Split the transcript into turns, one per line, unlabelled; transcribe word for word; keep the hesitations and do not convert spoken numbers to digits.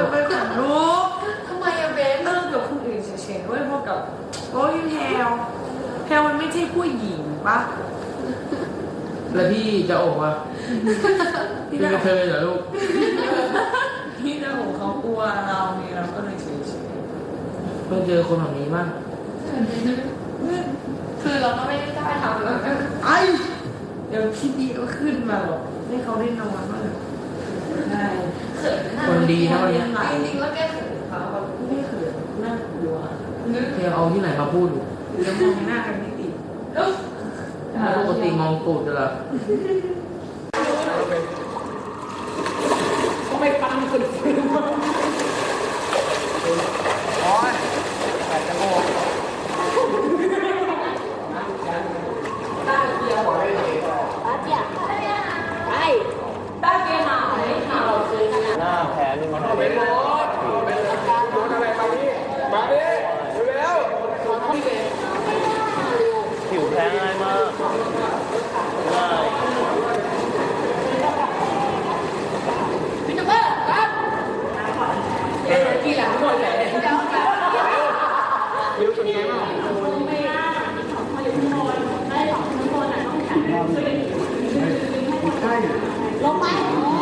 ไปขนลุก
ทำไมอะเบส
เลิกกับคนอื่นเฉยๆด้วยพวกกับโอ้ยแพลวแพลวมันไม่ใช่ผู้หญิงปะ
แล้วพี่จะโอบอ่ะพี่เป็นกระเทยเหรอลูก
พี่เจ้าของเขากลัวเราเนี่ยเราก็เลยเฉย
เพิ่งเจอคนแบบนี้บ้าง
คือเราก็ไม่ได้กล้าทำแล้ว
ๆไอ้เดี๋ยวพี่ดีก็ขึ้นมาหรอกให้เขาได้นอนบ้างใช่
เขินนะ
คนดีนะวันนี้
จริงๆแล้วแกเขินเขาแบบ
ไม่เขินน่ากลัว
นึก
เธอเอาที่ไหนมาพูดอยู่
เดี๋ยวมองหน้ากันไม่ติด
ปกติมองตูดจะละ
ก็ไม่ฟังคนอื่น
โอ้ยแปดจะโมง หน้าแผลนี่มันเป็นโดนอะไรมาพี่มาดิเร็วผิวแพ้ง่ายมากง่าย
พี่จะเบิร์ครับ
เอ๊ะกี่หลังหมดเลย
เดี๋ยวเดี๋ยว
เร็วสุดไงบ้าง
ลงไป